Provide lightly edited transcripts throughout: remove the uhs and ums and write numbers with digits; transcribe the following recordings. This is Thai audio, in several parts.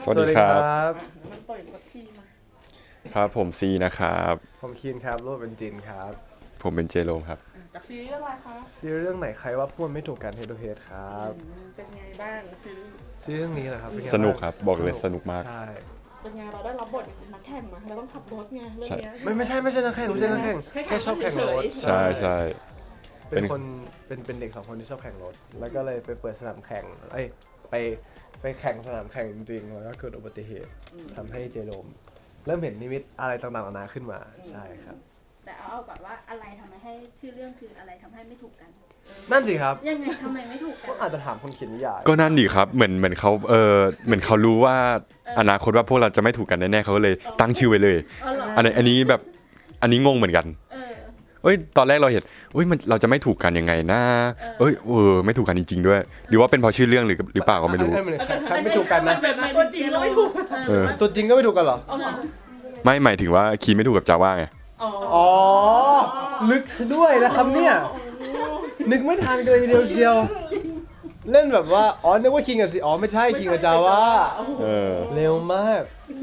วัสดีครับมันต่อยกับทีมาครับผมซีนะครับผมคีนครับรูปเป็นจินครับผมเป็นเจโรมครับจากซีรีส์เรื่องอะไรคะซีรีส์เรื่องไหนใครว่าพูดไม่ถูกกันเฮด to เฮดครับเป็นไงบ้างซีรีส์ซีรีส์เรื่องนี้แหละครับเป็นไงสนุกางครับบอกเลยสนุกมากใช่เป็นไงเราได้รับบทนักแข่งมาเราต้องขับรถไงเรื่องเนี้ยไม่ใช่นักแข่งไม่ใช่นักแข่งแค่ชอบแข่งรถใช่ใช่เป็นคนเป็นเด็กสองคนที่ชอบแข่งรถ แล้วก็เลยไปเปิดสนามแข่งไปแข่งสนามแข่งจริงๆแล้วก็เกิดอุบัติเหตุทำให้เจโรมเริ่มเห็นนิมิตอะไรต่างๆนานาขึ้นมาใช่ครับแต่เอาก่อนว่าอะไรทำให้ชื่อเรื่องคืออะไรทำให้ไม่ถูกกันนั่นสิครับยังไงทำไมไม่ถูกกันก็อาจจะถามคนเขียนนิยายก็นั่นดีครับเหมือนเขาเหมือนเขารู้ว่าอนาคตว่าพวกเราจะไม่ถูกกันแน่ๆเขาก็เลยตั้งชื่อไว้เลยอ๋อเหรออันนี้แบบอันนี้งงเหมือนกันเออตอนแรกเราเห็นมันเราจะไม่ถูกกันยังไงนะไม่ถูกกันจริงๆด้วย หรือว่าเป็นเพราะชื่อเรื่องหรือเปล่าก็ไม่รู้อันนั้นใครไม่ถูกกันนะแบบนั้นตัวจริงเราไม่ถูกเออตัวจริงก็ไม่ถูกกันเหรอเอาเหรอไม่หมายถึงว่าคีไม่ถูกกับจาว่าไงอ๋อ ลึกซะด้วยนะครับเนี่ย นึกไม่ทันกันเลยทีเดียวเชียว เล่นแบบว่า อ๋อ นึกว่าคิงกับสิอ๋อ ไม่ใช่คิงกับจาว่าเออเร็วมาก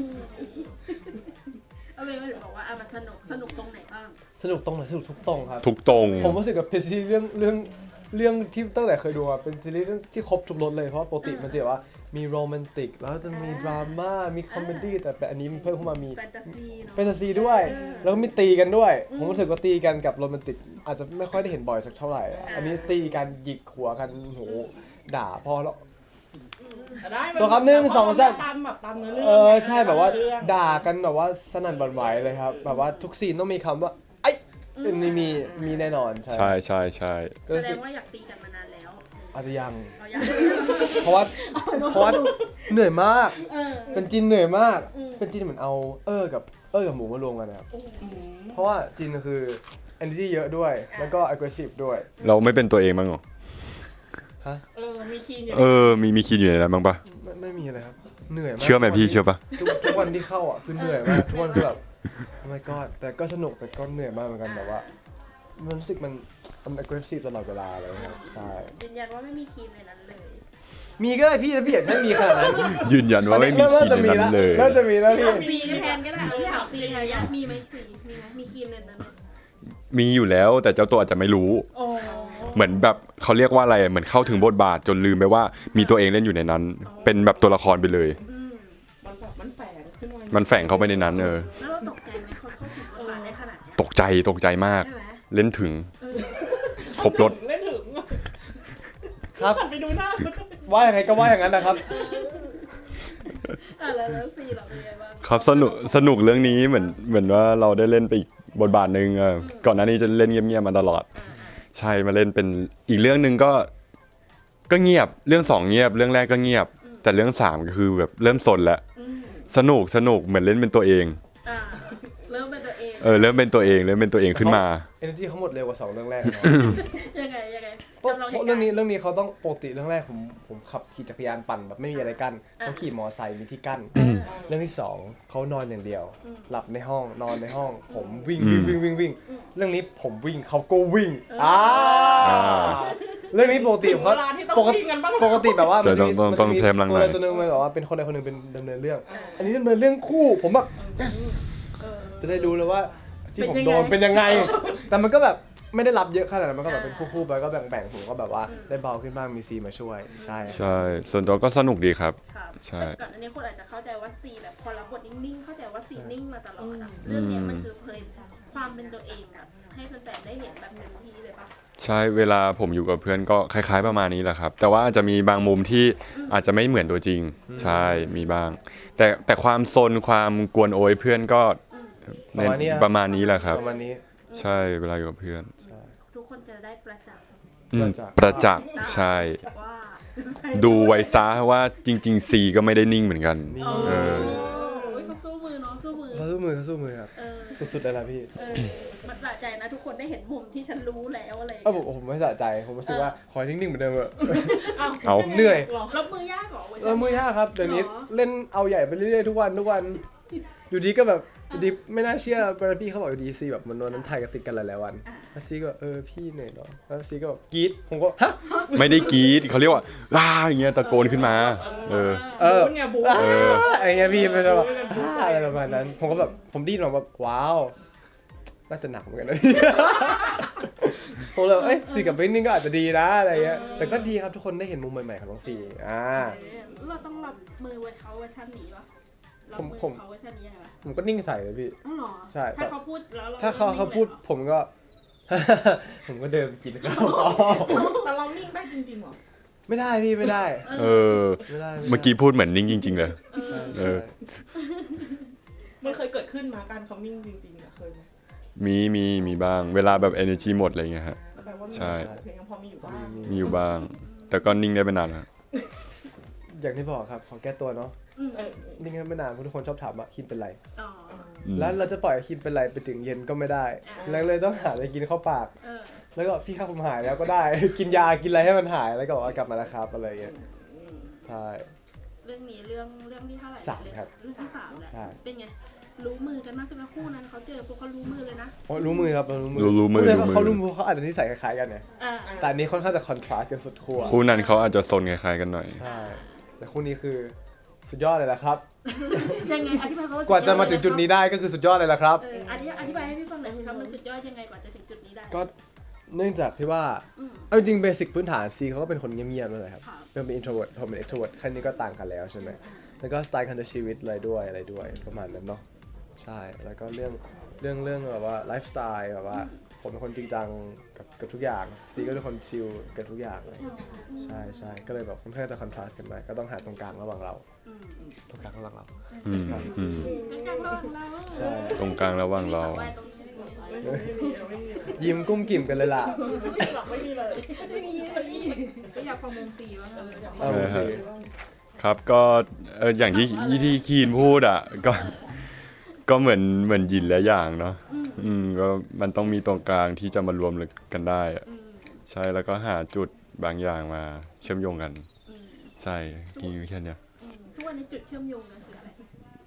เอาเป็นว่าถึงบอกว่ามันสนุกตรงไหนบ้างสนุกตรงไหนสนุกทุกตรงครับทุกตรงผมรู้สึกกับเป็นซีรีส์เรื่องที่ตั้งแต่เคยดูมาเป็นซีรีส์เรื่องที่ครบทุกรสเลยเพราะว่าปกติมันจะแบบว่ามีโรแมนติกแล้วจะมีดราม่ามีคอมเมดี้แต่อันนี้มันเพิ่มเข้ามามีแฟนตาซีเนาะแฟนตาซีด้วย แล้วก็มีตีกันด้วย ผมรู้สึกว่าตีกันกับโรแมนติกอาจจะไม่ค่อยได้เห็นบ่อยสักเท่าไหร่ อันนี้ตีกันหยิกหัวกันโหด่าพอแล้วได้ตัวครับ1 2 3 ตามแบบตามเนื้อเรื่องใช่แบบว่าด่ากันแบบว่าสนั่นหวั่นไหวเลยครับ แบบว่าทุกซีนต้องมีคำว่าไอ้นี่มีแน่นอนใช่ใช่ใช่ก็แสรู้ดสึกงว่าอยากตีกันมานานแล้วอาจจะยังเราอยากเพราะว่าเหนื่อยมากเออเป็นจินเหนื่อยมากอืมเป็นจินเหมือนเอากับหมูมารวมกันนะครับเพราะว่าจินคือ energy เยอะด้วย แล้วก็ aggressive ด้วยเราไม่เป็นตัวเองบ้างเหรอฮะมีคีนอยู่มีคีนอยู่ในนั้นบ้างปะไม่มีอะไรครับเหนื่อยมากเชื่อไหมพี่เชื่อปะทุกวันที่เข้าอ่ะคือเหนื่อยมากทุกวันคือแบบ oh my god แต่ก็สนุกแต่ก็เหนื่อยมากเหมือนกันแบบว่า มันรู้สึกมัน aggressive ตลอดเวลาเลยครับใช่ยืนยันว่าไม่มีคีมในนั้นเลยมีก็ได้พี่ถ้าพี่อยากให้มีขนาดนั้นยืนยันว่าไม่มีคีนในนั้นเลยน่าจะมีแล้วพี่ซีก็แทนก็ได้พี่ถามซีแทนอยากมีไหมซีมีไหมมีคีมในนั้นไหมมีอยู่แล้วแต่เจ้าตัวอาจจะไม่รู้โอ้เหมือนแบบเขาเรียกว่าอะไรเหมือนเข้าถึงบทบาทจนลืมไปว่ามีตัวเองเล่นอยู่ในนั้น เป็นแบบตัวละครไปเลยมันแบบมันแฝงขึ้นมามันแฝงเข้าไปในนั้นแล้วเราตกใจไหมเขาเข้าถึงบทบาทได้ขนาดเนี้ยตกใจมากใช่ไหมเล่นถึงครบรถเล่นถึงครับไปดูหน้าว่าอย่างไรก็ว่าอย่างนั้นนะครับแล้วซีเราเป็นไงบ้างครับสนุกเรื่องนี้เหมือนว่าเราได้เล่นไปอีกบทบาทหนึ่งก่อนหน้านี้จะเล่นเงียบๆมาตลอด ใช่มาเล่นเป็นอีกเรื่องหนึ่งก็เงียบเรื่องสองเงียบเรื่องแรกก็เงียบ แต่เรื่องสามก็คือแบบเริ่มสนแล้วสนุกเหมือนเล่นเป็นตัวเองเริ่มเป็นตัวเองเริ่มเป็นตัวเองขึ้นมา energy เขาหมดเร็วกว่า2เรื่องแรกนะยังไงเพราะจำลองเพราะเรื่องนี้เขาต้องปกติเรื่องแรกผมขับขี่จักรยานปั่นแบบไม่มีอะไรกั้นเขาขี่มอไซค์มีที่กั้นเรื่องที่สองเขานอนอย่างเดียว หลับในห้องนอนในห้อง ผมวิ่งเรื่องนี้ผมวิ่งเขาก็วิ่งเรื่องนี้ปกติเขาปกติแบบว่าใช่ต้องใช้กำลังหน่อยตัวนึงมันแบบว่าเป็นคนใดคนหนึ่งเป็นดำเนินเรื่อง อันนี้ดำเนินเรื่องคู่ผมแบบ yes จะได้รู้เลยว่าที่ผมโดนเป็นยังไง แต่มันก็แบบไม่ได้รับเยอะขนาดนั้นมันก็แบบเป็นคู่ๆไปก็แบ่งผมก็แบบว่าได้เบาขึ้นบ้างมีซีมาช่วยใช่ใช่ส่วนตัวก็สนุกดีครับครับใช่ก่อนอันนี้คนอาจจะเข้าใจว่าซีแบบพอรับบทนิ่งๆเข้าใจว่าซีนิ่งมาตลอดอะเรื่องนี้มันคือเผยความเป็นตัวเองแบบให้แฟนๆได้เห็นแบบเต็มที่เลยปะใช่เวลาผมอยู่กับเพื่อนก็คล้ายๆประมาณนี้แหละครับ แต่ว่าอาจจะมีบางมุมที่อาจจะไม่เหมือนตัวจริง ใช่มีบ้าง แต่ความซนความกวนโอยเพื่อนก็ในประมาณนี้แหละครับประมาณนี้ใช่เวลาอยู่กับเพื่อนทุกคนจะได้ประจักษ์ประจักษ์ใช่ว่าดูไว้ซะว่าจริงๆซีก็ไม่ได้นิ่งเหมือนกันนี่เออเขาสู้มือเนาะสู้มือเขาสู้มือครับเออสุดๆเลยล่ะพี่มันสะใจนะทุกคนได้เห็นมุมที่ฉันรู้แล้วอะไรอย่างผมเงี้ยไม่สะใจผมรู้สึกว่าขอนิ่งๆเหมือนเดิมเถอะเอาเหนื่อยรับมือยากเหรอมือยากครับเดี๋ยวนี้หรอเล่นเอาใหญ่ไปเรื่อยๆทุกวันอยู่ดีก็แบบดีไม่น่าเชื่อพี่เขาบอกดีซีแบบมันนั้นถ่ายกันติดกันหลายๆวันแล้วซีก็พี่เหนื่อยเนาะแล้วซีก็กรี๊ดผมก็ฮะไม่ได้กรี๊ดเขาเรียกว่าว้าอย่างเงี้ยตะโกนขึ้นมาบูนไงบูนไอ้เงี้ยพี่เป็นแบบอะไรประมาณนั้น ผมก็แบบผมดิ้นออกแบบว้าวน่าจะหนักเหมือนกันนะ ผมเลยซีกับเบนนิ่งก็อาจจะดีนะอะไรเงี้ยแต่ก็ดีครับทุกคนได้เห็นมุมใหม่ๆของน้องซีเราต้องรับมือเวอร์เขาเวอร์ชันนี้ปะรับมือเขาเวอร์ชันนี้ยังไงผมก็นิ่งใส่เลยพี่อ๋อเหรอใช่ถ้าเขาพูดแล้วถ้าเขาพูดผมก็ ผมก็เดินกินข้าวต่อแต่เรานิ่งได้จริงๆเหรอไม่ได้พี่ไม่ได้ ไม่ได้เมื่อกี้พูดเหมือนนิ่งจริงๆเลยใช่มันเคยเกิดขึ้นมาการเขานิ่งจริงๆอะเคยไหมมีบ้างเวลาแบบ energy หมดอะไรเงี้ยฮะแปลว่าใช่เพลงยังพอมีอยู่บ้างมีอยู่บ้าง แต่ก็นิ่งได้ไม่นานแล้วอย่างที่บอกครับขอแก้ตัวเนาะเออนิ่งกันไม่นานเพราะทุกคนชอบถามว่าคินเป็นไรอ๋อแล้วเราจะปล่อยให้คินเป็นไรไปถึงเย็นก็ไม่ได้ แล้วเลยต้องหาอะไรกินเข้าปาก แล้วก็พี่ครับผมหายแล้วก็ได้ กินยากินอะไรให้มันหายแล้วก็บอกว่ากลับมาแล้วครับอะไรอย่างเงี้ยใช่เรื่องนี้เรื่องที่เท่าไหร่สามครับเรื่องที่3แล้วใช่เป็นไงรู้มือกันมากขึ้นไหมคู่นั้นเขาเจอพวกเขารู้มือเลยนะโอ้รู้มือครับรู้มือรู้มือพูดได้รู้ว่ามือเขารู้มือเขาอาจจะนิสัยคล้ายๆกันเนี่ยอ่าแต่อันนี้ค่อนข้างจะคอนทราสต์กันสุดขั้วคู่นั้นเขาอาจจะซนคล้ายๆกันหน่อยใช่แต่คู่นี้คือสุดยอดเลยแหละครับยังไงอธิบายเขากว่าจะมาถึงจุดนี้ได้ก็คือสุดยอดเลยแหละครับอธิบายให้พี่ฟังหน่อยสิครับมันสุดยอดยังไงกว่าจะถึงจุดนี้ได้ก็เนื่องจากที่ว่าเอาจริงเบสิกพื้นฐานซีเขาก็เป็นคนเงียบๆนั่นแหละครับครับเป็น introvert ผมเป็น extrovert แค่นี้ก็ต่างกันแล้วใช่ไหมแล้วก็สไตล์การใช้ชีวิตอะไรด้วยประมาณนั้นเนาะใช่แล้วก็เรื่องแบบว่าไลฟ์สไตล์แบบว่าผมเป็นคนจริงจังกับทุกอย่างซีก็เป็นคนชิลกับทุกอย่างเลยใช่ก็เลยแบบค่อนข้างจะคอนทราสต์กันไปก็ต้องหาตรงกลางระหว่างเราตรงกลางระหว่างเราอืมเป็นการระหว่างเราใช่ตรงกลางระหว่างเราไม่มียิ้มกุ้มกิ่มกันเลยล่ะไม่มีเลยก็อยากฟังวงซีบ้างเอาสิครับก็อย่างที่คีนพูดอ่ะก็เหมือนหยินและอย่างเนาะก็มันต้องมีตรงกลางที่จะมารวมกันได้อะใช่แล้วก็หาจุดบางอย่างมาเชื่อมโยงกัน ใช่กินแค่เนี้ยทุกวันนี้จุดเชื่อมโยงกันคืออะไร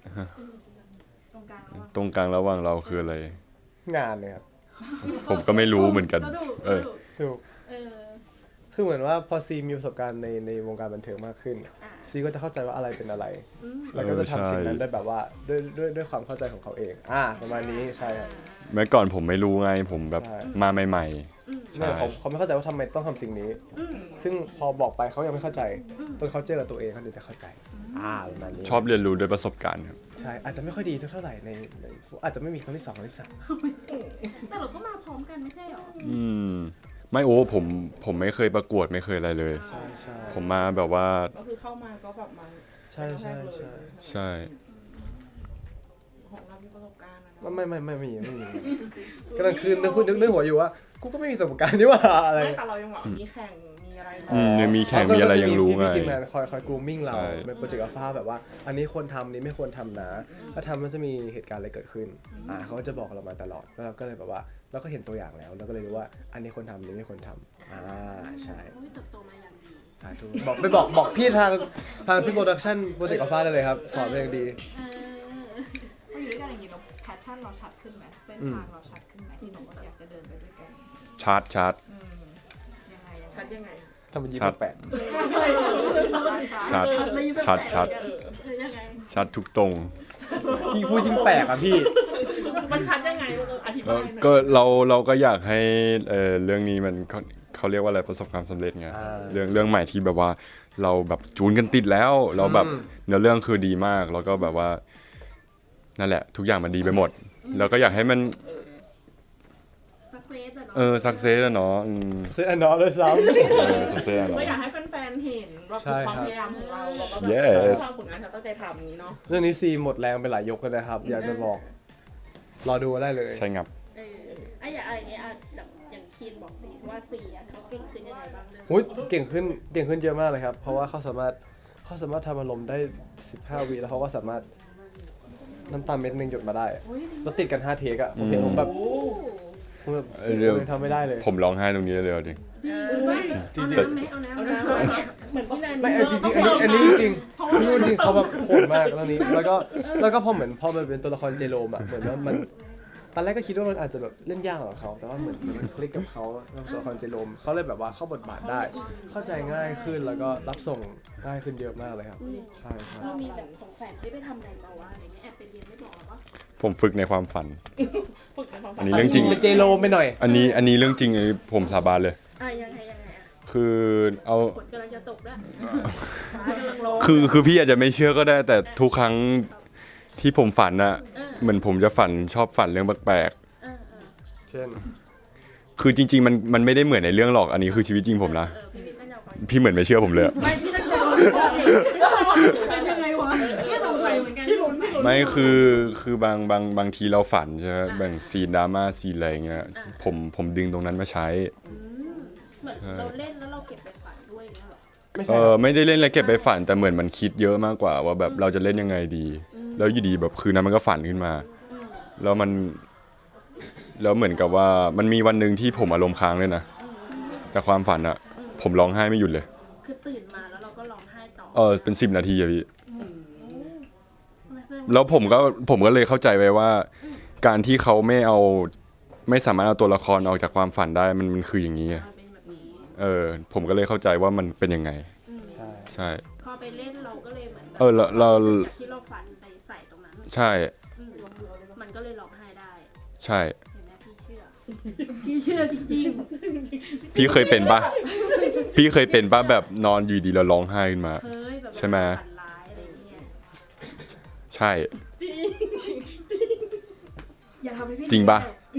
ตรงกลางระหว่างตรงกลางระหว่างเราคืออะไรงานเลยครับผมก็ไม่รู้เหมือนกันถูกคือเหมือนว่าพอซีมีประสบการณ์ในวงการบันเทิงมากขึ้นซีก็จะเข้าใจว่าอะไรเป็นอะไร แล้วก็จะทำสิ่งนั้นได้แบบว่าด้วยความเข้าใจของเขาเองประมาณนี้ใช่ครับเมื่อก่อนผมไม่รู้ไงผมแบบใช่มาใหม่ๆใช่ใช่เขาไม่เข้าใจว่าทำไมต้องทำสิ่งนี้ ซึ่งพอบอกไปเขายังไม่เข้าใจจนเขาเจอกับตัวเองเขาถึงจะเข้าใจประมาณนี้ชอบเรียนรู้ด้วยประสบการณ์ครับใช่อาจจะไม่ค่อยดีเท่าไหร่ในอาจจะไม่มีครั้งที่2ครั้งที่3 แต่เราก็มาพร้อมกันไม่ใช่หรอไม่ผมไม่เคยประกวดไม่เคยอะไรเลยใช่ใช่ผมมาแบบว่าก็คือเข้ามาก็แบบมาใช่ใช่ใช่ใช่ของเรามีประสบการณ์นะไม่มีกำลังคืนนึกหัวอยู่ว่ากูก็ไม่มีประสบการณ์นี่ว่าอะไรไม่แต่เรายังแบบมีแข่งมีอะไรยังมีแข่งมีอะไรยังรู้ไงพี่ทีมงานคอยกรูมมิ่งเราใช่เป็นโปรเจกต์อัลฟาแบบว่า อันนี้ควรทำนี้ไม่ควรทำนะถ้าทำมันจะมีเหตุการณ์อะไรเกิดขึ้นเขาก็จะบอกเรามาตลอดแล้วเราก็เลยแบบว่าเราก็เห็นตัวอย่างแล้วเราก็เลยรู้ว่าอันนี้ควรทำอันนี้ไม่ควรทำใช่เขาเติบโตมาอย่างดีสาธุบอกพี่ทางพี่โปรดักชั่นโปรเจกต์อัลฟาได้เลยครับสอนเป็นอย่างดีพออยู่ด้วยกันอย่างนี้เราแพชชั่นเราชัดขึ้นไหมเส้นทางเราชัดขึ้นไหมที่บอกว่าอยากจะเดินไปด้วยกันชาร์จยังไงชัดยังไงทำเป็นยิ้ชัดมแปลกชัดชัดยังไงชัดทุกตรงยิ่งพูดยิ่งแปลกอ่ะพี่มันชัดยังไงอธิบายหน่อยก็เราก็อยากให้เรื่องนี้มันเขาเรียกว่าอะไรประสบความสำเร็จไงเรื่องใหม่ที่แบบว่าเราแบบจูนกันติดแล้วเราแบบเนื้อเรื่องคือดีมากแล้วก็แบบว่านั่นแหละ ทุกอย่างมันดีไปหมด แล้วก็อยากให้มันสักเซสอะเนาะสักเซสอะเนาะเส้นอันนอเลยซ้สักเซสอะก็เนาะอยากให้แฟนๆเห็นว่าใช่ความครับพยายามของเราแล้วก็แบบ Yes สร้างผลงานที่เราตั้งใจทำอย่างนี้เนาะำเรื่องนี้ซีหมดแรงไปหลายยกเลยนะครับ อยากจะบอกรอดูได้เลยใช่งับอย่างอะไรเนี้ยอย่างคีนบอกสีว่าสีเขาเก่งขึ้นยังไงบ้างเรื่องโอ้ยเก่งขึ้นเยอะมากเลยครับ เพราะว่าเขาสามารถทำอารมณ์ได้15วิแล้วเขาก็สามารถน้ำตาเม็ดนึงหยดมาได้แล้วติดกัน5เทคอะผมเห็นผมแบบผมยังทำไม่ได้เลยผมร้องไห้ตรงนี้เลยจริงเอาน้ำไหมเอาน้ำเหมือนพี่แนนไม่จริงๆอันนี้จริงเพราะพี่นุ่นจริงเขาแบบโหดมากเรื่องนี้แล้วก็พอมันเป็นตัวละครเจโรมอะเหมือนว่ามันตอนแรกก็คิดว่ามันอาจจะแบบเล่นยากกว่าเขาแต่ว่าเหมือนมันคลิกกับเขาตัวละครเจโรมเขาเลยแบบว่าเข้าบทบาทได้ เข้าใจง่ายขึ้นแล้วก็รับส่งได้ขึ้นเยอะมากเลยครับใช่ครับเรามีแบบสงสัยไปทำอะไรมาวะอะไรเงี้ยแอบไปเรียนไม่บอกหรอวะผมฝึกในความฝันฝึกในความฝัอันนี้เรื่องจริงเป็นเจโรมไปหน่อยอันนี้เรื่องจริงอันนี้ผมสาบานเลยยังไงอ่ะคือเอาฝนกำลังจะตกแล้วฟ้ากำลังร้องคือพี่อาจจะไม่เชื่อก็ได้ แต่ทุกครั้งที่ผมฝันอะเหมือนผมจะชอบฝันเรื่องแปลกเช่นๆคือจริงๆมันไม่ได้เหมือนในเรื่องหรอกอันนี้คือชีวิตจริงผมนะพี่วิทย์ก็ยาวกว่าพี่เหมือนไม่เชื่อผมเลยอะไม่พี่ตั้งใจเป็นยังไงวะไม่สงสัยเหมือนกันพี่ลุ้นพี่ลุ้นไม่คือบางทีเราฝันใช่ไหมแบ่งซีนดราม่าซีนอะไรอย่างเงี้ยผมดึงตรงนั้นมาใช้เหมือนเราเล่นแล้วเราเก็บไปฝันด้วยเงี้ยหรอไม่ใช่ไม่ได้เล่นแล้วเก็บไปฝันแต่เหมือนมันคิดเยอะมากกว่าว่าแบบเราจะเล่นยังไงดี แล้วอยู่ดีแบบคืนนั้นมันก็ฝันขึ้นมา แล้วเหมือนกับว่ามันมีวันหนึ่งที่ผมอารมณ์ค้างเลยนะแต่ความฝันอะผมร้องไห้ไม่หยุดเลยคือตื่นมาแล้วเราก็ร้องไห้ต่อเป็น10 นาทีอะพี่แล้วผมก็เลยเข้าใจไว้ว่า การที่เขาไม่สามารถเอาตัวละครออกจากความฝันได้มันคืออย่างนี้อะเป็นแบบนี้ผมก็เลยเข้าใจว่ามันเป็นยังไงใช่ใช่พอไปเล่นเราก็เลยเหมือนแบบเราที่เราฝันไปใส่ตรงนั้นใช่มันก็เลยร้องไห้ได้ใช่เห็นไหมพี่เชื่อจริงพี่เคยเป็นปะพี่เคยเป็นปะแบบนอนอยู่ดีแล้วร้องไห้ขึ้นมาๆ เคยแบบใช่ไหมฝันร้ายอะไรอย่างเงี้ยใช่อย่าทำให้พี่จริงปะ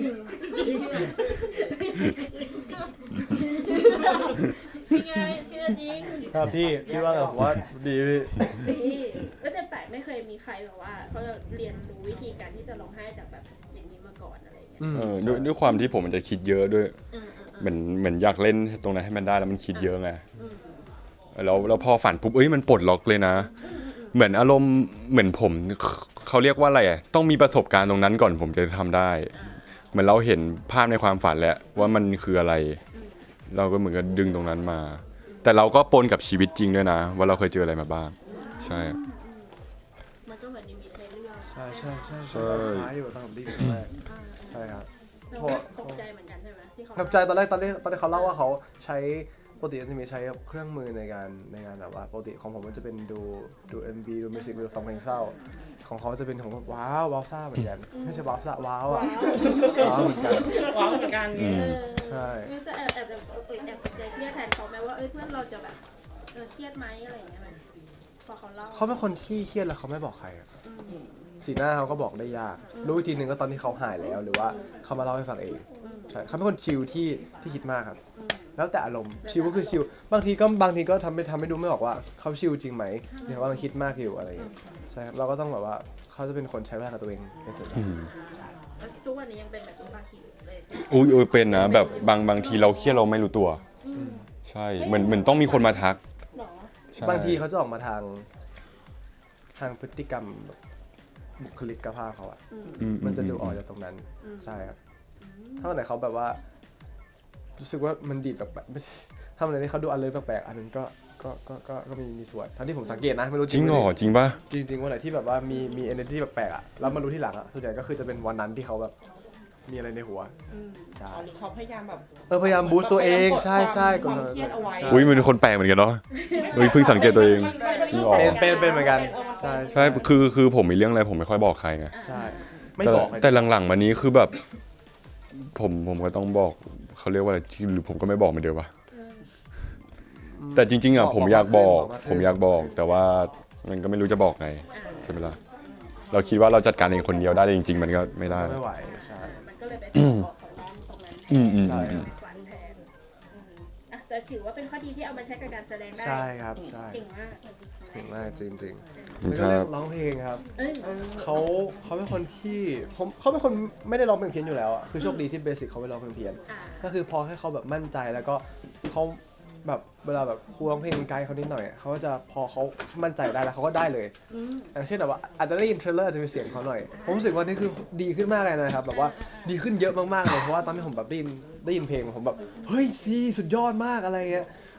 พี่ไงเชื่อจริงครับพี่ว่าไงผมว่าดีพี่ดีแล้วแต่แปลกไม่เคยมีใครแบบว่าเขาจะเรียนรู้วิธีการที่จะร้องไห้จากแบบอย่างนี้มาก่อนอะไรอย่างเงี้ยด้วยความที่ผมมันจะคิดเยอะด้วยเหมือนอยากเล่นตรงนั้นให้มันได้แล้วมันคิดเยอะไงแล้วพอฝันปุ๊บมันปลดล็อกเลยนะ เหมือนอารมณ์เหมือนผมเขาเรียกว่าอะไรต้องมีประสบการณ์ตรงนั้นก่อนผมจะทำได้ เหมือนเราเห็นภาพในความฝันแล้วว่ามันคืออะไร เราก็เหมือนกับดึงตรงนั้นมา แต่เราก็ปนกับชีวิตจริงด้วยนะ ว่าเราเคยเจออะไรมาบ้าง ใช่มันก็เหมือนนิมิตในเรื่องใช่ใช่ใช่ใช่คล้ายอยู่ตอนผมได้ยินแรกใช่ครับเราก็ตกใจเหมือนกันใช่ไหมที่เขาตกใจตอนแรกเขาเล่าว่าเขาใช้ปกติจะมีใช้เครื่องมือในการแบบว่าปกติของผมมันจะเป็นดู MV ดูมิวสิกวิดีโอฟังเพลงเศร้า ของเขาจะเป็นของแบบว้าวซ่าเหมือนกันไม่ใช่ว้าวซ่าว้าวอ่ะว้าวเหมือนกันว้าวเหมือนกันใช่จะแอบตกใจเครียดแทนเขาไหมว่าเพื่อนเราจะแบบเครียดไหมอะไรอย่างเงี้ยพอเขาเล่าเขาเป็นคนที่เครียดแล้วเขาไม่บอกใครอะสีหน้าเขาก็บอกได้ยากรู้อีกทีหนึ่งก็ตอนที่เขาหายแล้วหรือว่าเขามาเล่าให้ฟังเองใช่เขาเป็นคนชิลที่คิดมากครับแล้วแต่อารมณ์ชิลก็คือชิลบางทีก็ทำให้ดูไม่ออกว่าเขาชิลจริงไหมหรือเขากำลังคิดมากอยู่อะไรอย่างเงี้ยใช่ครับเราก็ต้องแบบว่าเขาจะเป็นคนใช้เวลากับตัวเองเป็นส่วนใหญ่ทุกวันนี้ยังเป็นแบบนี้บางทีเลยอุ้ยเป็นนะแบบบางทีเราเครียดเราไม่รู้ตัว ใช่เหมือนต้องมีคนมาทักหรอใช่บางทีเขาจะออกมาทางพฤติกรรมแบบบุคลิกภาพเขาอะมันจะดูออกจากตรงนั้นใช่ครับถ้าวันไหนเขาแบบว่ารู้สึกว่ามันดีดแบบไม่ใช่ถ้าวันไหนที่เขาดูอะไรแปลกๆอันนั้นก็มีส่วนทั้งที่ผมสังเกตนะไม่รู้จริงเหรอจริงปะจริงวันไหนที่แบบว่ามี energy แปลกๆอะแล้วมารู้ที่หลังอะส่วนใหญ่ก็คือจะเป็นวันนั้นที่เขาแบบมีอะไรในหัวใช่หรือเขาพยายามแบบพยายามบูสต์ตัวเองใช่ความเครียดเอาไว้อุ้ยมันเป็นคนแปลกเหมือนกันเนาะเพิ่งสังเกตตัวเอง จริงเหรอเป็นเหมือนกันใช่ใช่คือผมมีเรื่องอะไรผมไม่ค่อยบอกใครไงใช่ไม่บอกเลยแต่หลังๆมานี้คือแบบ ผมก็ต้องบอกเขาเรียกว่าอะไรหรือผมก็ไม่บอกเหมือนเดิมวะแต่จริงๆผมอยากบอก แต่ว่ามันก็ไม่รู้จะบอกไงใช่ไหมล่ะเราคิดว่าเราจัดการเองคนเดียวได้จริงๆมันก็ไม่ได้ไม่ไหวใช่มันก็เลยไปออกของร้านตรงนั้นใช่ฝันแทนแต่ถือว่าเป็นข้อดีที่เอามาใช้กับการแสดงได้ใช่ครับใช่เก่งมากเก่งมากจริงๆคแล้วก็รัเรื่บองร้องเพลงครับเอ้ยเขาเป็นคนที่เขาเป็นคนไม่ได้ร้องเพลงเพี้ยนอยู่แล้วอะคือโชคดีที่เบสิกเขาไม่ร้องเพลงเพี้ยน ก็คือพอให้เขาแบบมั่นใจแล้วก็เขาแบบเวลาแบบครูร้องเพลงไกด์เขานิดหน่อยเขาก็จะพอเขามั่นใจได้แล้วเขาก็ได้เลยอย่างเช่นแบบว่าอาจจะได้ยินเทรลเลอร์อาจจะมีเสียงเขาหน่อยผมรู้สึกว่านี่คือดีขึ้นมากเลยนะครับแบบว่าดีขึ้นเยอะมากๆเลยเพราะว่าตอนที่ผมแบบได้ยินเพลงผมแบบเฮ้ยซีสุดยอดมากอะไรเงี้ย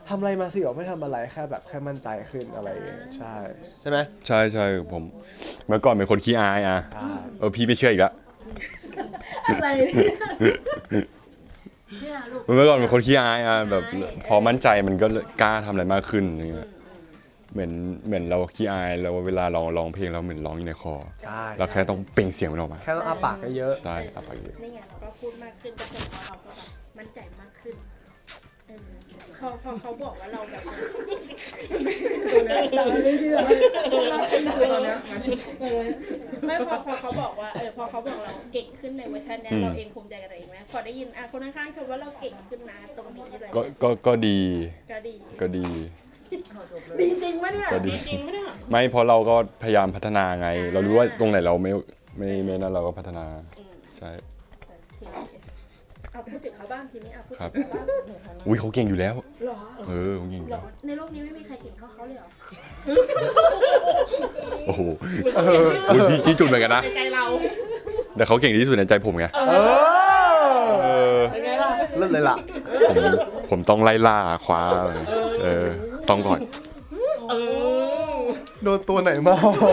ทำอะไรมาสิบอกไม่ทำอะไรแค่แบบแค่มั่นใจขึ้นอะไรอย่างเงี้ยใช่ไหมใช่ใช่ผมเมื่อก่อนเป็นคนขี้อายอ่ะใช่พี่ไม่เชื่ออีกแล้วอะไรเนี่ยเชื่อลูกเมื่อก่อนเป็นคนขี้อายอ่ะแบบพอมั่นใจมันก็กล้าทำอะไรมากขึ้นอย่างเงี้ยเหมือนเราขี้อายแล้วเวลาร้องเพลงเราเหมือนร้องอยู่ในคอใช่เราแค่ต้องเปล่งเสียงมันออกมาแค่ต้องอาปากเยอะใช่เอาไปเยอะนี่ไงเราก็พูดมากขึ้นก็แสดงว่าเราก็แบบมั่นใจมากขึ้นพอเขาบอกว่าเราแบบไม่พอเขาบอกว่าพอเขาบอกเราเก่งขึ้นในเวอร์ชันเนี้ยเราเองภูมิใจกับตัวเองไหมพอได้ยินคนข้างๆชมว่าเราเก่งขึ้นนะตรงนี้เลยก็ดีก็ดีก็ดีดีจริงปะเนี่ยก็ดีจริงไหมเนี่ยไม่เพราะเราก็พยายามพัฒนาไง เรารู้ว่าตรงไหนเราไม่นั่นเราก็พัฒนาใช่เอาพูดถึงเขาบ้างทีนี้เอาพูดครับถึงเขาบ้างอุ้ยเขาเก่งอยู่แล้วหรอเขาเก่งอยู่หรแล้อวในโลกนี้ไม่มีใครเก่งเท่าเขาเลยเหรอโอ้โหอุ้ยพี่จี้จุดเหมือนกันนะในใจเราแต่เขาเก่งที่สุดในใจผมไงๆเออเป็นไงล่ะเลิศเลยล่ะผมต้องไล่ล่าคว้าต้องก่อนโดนตัวไหนมา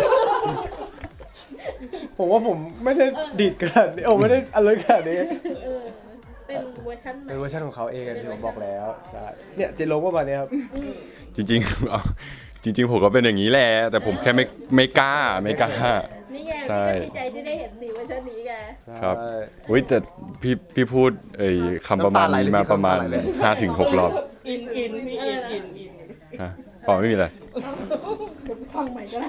ผมว่าผมไม่ได้ดีดขนาดนี้ไม่ได้อะไรขนาดนี้เป็นเวอร์ชันใหม่เป็นเวอร์ชันของเขาเองที่ผมบอกแล้วใช่เนี่ยเจโลก็มาเนี่ยครับจริงๆเอาจริงๆผมก็เป็นอย่างนี้แหละ แต่ผมแค่ไม่กล้านี่ไงใช่ดีใจที่ได้เห็นสีเวอร์ชันนี้ไงครับใช่อุ้ยแต่พี่พูดคำประมาณนี้มาประมาณน้ำตาไหลเลย 5-6 รอบอินพี่อินฮะเปล่าไม่มีอะไรฟังใหม่ก็ได้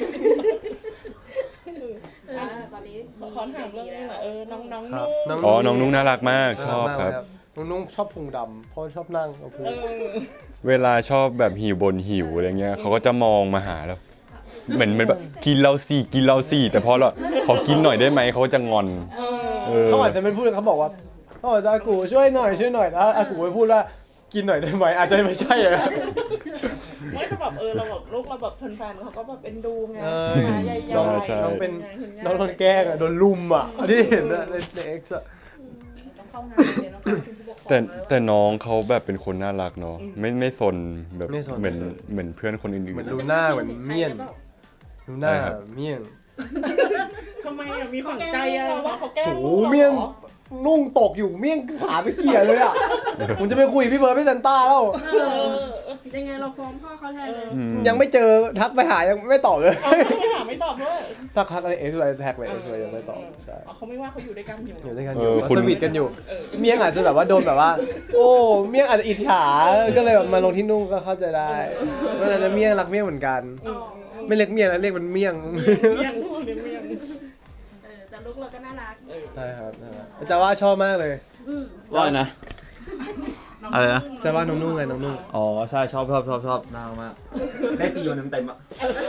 ตอนนี้ขอถามเรื่องนึงหน่อยน้องครับนุ่งอ๋อ น้องนุ้งน่ารักมาก ชอบครับน้องนุ่งชอบพุงดำเพราะชอบนั่งกับพุงเวลาชอบแบบหิวบนหิวอะไรเงี้ยเขาก็จะมองมาหาแล้ว เหมือนแบบกินเราสิแต่พอเราขอกินหน่อยได้ไหมเขาก็จะงอนเขาอาจจะเป็นพูดเขาบอกว่าเขาอาจจะอากูช่วยหน่อยแล้วอากูไปพูดว่ากินหน่อยได้ไหมอาจจะไม่ใช่อะไม่ก็แบบเราแบบลูกเราแบบแฟนๆเขาก็แบบเป็นดูไงใหญ่ใช่น้องเป็นน้องโดนแกล้งอะโดนลุมอะที่เห็นอะในเอ็กซ์อะต้องเข้างานเดี๋ยวต้องเข้าผู้ปกครองแต่น้องเขาแบบเป็นคนน่ารักเนาะไม่ซนแบบเหมือนเพื่อนคนอื่เหมือนนลูน่าเหมือนเมี่ยนลูน่าเมี่ยนทำไมมีฝังใจว่าเขาแกล้งโอ้เมี่ยงนุ่งตกอยู่เมี่ยงขาไปเขี่ยเลยอะผมจะไปคุยพี่เบิร์ดพี่ซันต้าแล้วยังไงเราฟ้องพ่อเขาแทนเลยยังไม่เจอทักไปหายังไม่ตอบเลยไม่ตอบด้วยทักอะไรเอ็กซ์อะไรแท็กไปเอ็กซ์ยังไม่ตอบใช่เขาไม่ว่าเขาอยู่ด้วยกันอยู่อยู่ด้วยกันอยู่สวีทกันอยู่ เมี่ยงอาจจะแบบว่าโดนแบบว่า โอ้เมี่ยงอาจจะอิจฉาก็เลยแบบมาลงที่นุ่งก็เข้าใจได้เพราะฉะนั้นเมี่ยงรักเมี่ยงเหมือนกัน ไม่เรียกเมี่ยงนะเรียกมันเมี่ยงเมี่ยงเมี่ยงแต่ลูกเราก็น่ารักใช่ครับจะว่าชอบมากเลยว่านะอะไรนะจะว่าน้องนุ่งไงน้องนุ่งอ๋อใช่ชอบน่ามากได้ซีโอเต็มๆอ่ะ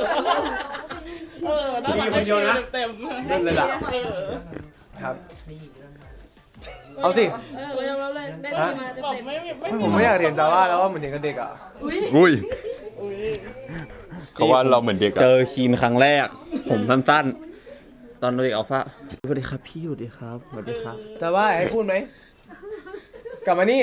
น่ารักเต็มเล่นเลยล่ะครับ เอาสิเราเลยได้ดีมาเต็บอกมไม่ผมไม่อยากเรียนจาว่าแล้วว่าเหมือนเด็กกับเด็กอ่ะอุ้ยเขาว่าเราเหมือนเด็กเจอะอคีนครั้งแรก ผมสั้นๆ ตอนเด็กอัลฟาสวัสดีครับพี่สวัสดีครับสวัสดีครับจะว่าให้พูดไหมกลับมานี่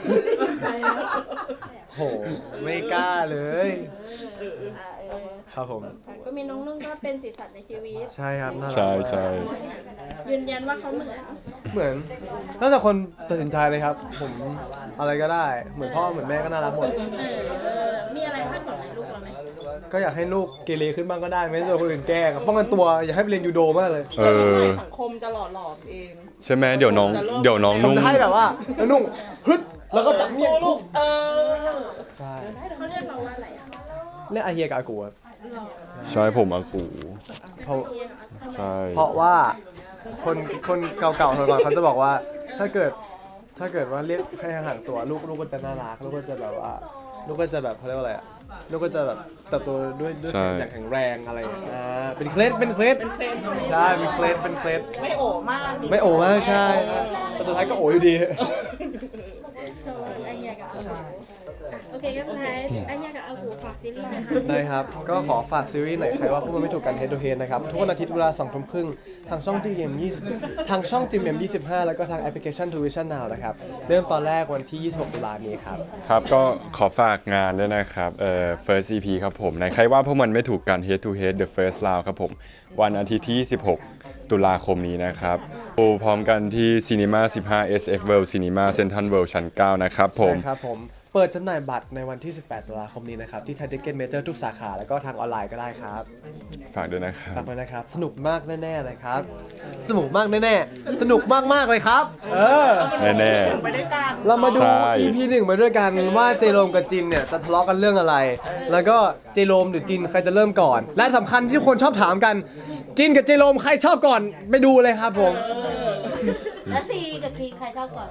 โหไม่กล้าเลยครับผมก็มีน้องนุ่งก็เป็นสีสันในชีวิตใช่ครับน่ารักใช่มากใช่ยืนยันว่าเขาเหมือนเหมือนแล้วแต่คนตัดสินใจเลยครับ ผมอะไรก็ได้เหมือนพ่อเหมือนแม่ก็น่ารักหมดมีอะไรคาดหวังในลูกเราไหมก็อยากให้ลูกเกเรขึ้นบ้างก็ได้ไม่ต้องโดนคนอื่นแกล้งป้องกันตัวอยากให้ไปเรียนยูโดมากเลยสังคมจะหล่อหลอมเองใช่ไหมเดี๋ยวน้องผมนุ่งจะให้แบบว่าแล้วนุ่งฮึดแล้วก็จับเมียลูกใช่เขาเรียกเราว่าอะไรอ่ะเรียกอาเฮียกับอากูครับใช่ผมอากูเพราะใช่เพราะว่าคนเก่าๆสมัยก่อนเขาจะบอกว่าถ้าเกิดว่าเรียกให้ห่างๆตัวลูกก็จะน่ารักลูกก็จะแบบว่าลูกก็จะแบบเขาเรียกว่าอะไรอะลูกก็จะแบบเติบโตด้วยอย่างแข็งแรงอะไรอย่างเงี้ยเป็นเคล็ดใช่เป็นเคล็ดไม่โอมากไม่โอ้มากใช่แต่สุดท้ายก็โอ้อยู่ดีโชว์ไอเฮียกับอากูโอเคก็สุดท้ายไอเฮียกับอากูฝากซีซีรีส์หน่อยค่ะได้ครับ ก็ขอฝากซีรีส์หน่อยใครว่าพวกมันไม่ถูกกัน Head to Head นะครับ ทุกวันอาทิตย์เวลา 2 ทุ่มครึ่งทางช่อง GM20 ทางช่อง GM25 แล้วก็ทางแอปพลิเคชัน Tuition Now นะครับ เริ่มตอนแรกวันที่ 26 ตุลาคมนี้ครับครับก็ขอฝากงานด้วยนะครับFirst EP ครับผมในใครว่าพวกมันไม่ถูกกัน Head to Head The First Round ครับผมวันอาทิตย์ที่ 26 ตุลาคมนี้นะครับดูพร้อมกันที่ Cinema 15 SF World Cinema Central World ชั้น 9 นะครับผมใช่ครับผม เปิดจำหน่ายบัตรในวันที่ 18 ตุลาคมนี้นะครับ ที่ Thai Ticket Major ทุกสาขา แล้วก็ทางออนไลน์ก็ได้ครับฝากด้วยนะครับฝากไว้นะครับ สนุกมากแน่ๆเลยครับ สนุกมากแน่ๆ สนุกมากๆเลยครับแน่ไปด้วยกันเรามาดูใช่ EP 1 มาด้วยกันว่าเจโรมกับจินเนี่ยจะทะเลาะกันเรื่องอะไร แล้วก็เจโรมหรือจินใครจะเริ่มก่อน และสำคัญที่ทุกคนชอบถามกัน จินกับเจโรมใครชอบก่อนไปดูเลยครับผมแล้วซีกับคลีใครชอบก่อน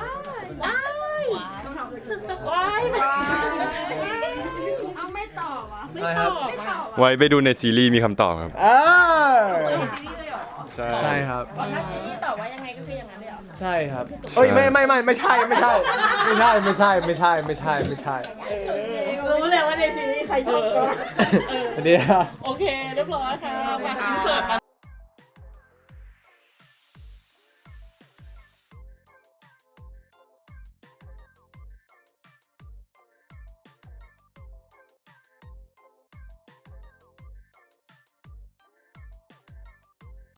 เอาไม่ตอบอ่ะอะไรครับไม่ตอบอ่ะไว้ไปดูในซีรีส์มีคำตอบครับซีรีส์เลยเหรอใช่ใช่ครับถ้าซีรีส์ตอบว่ายังไงก็คืออย่างนั้นเลยเหรอใช่ครับเอ้ยไม่ใช่รู้เลยว่าในซีรีส์ใครชอบก่อนอันนี้ครับโอเค เรียบร้อยค่ะมาอินเสิร์ต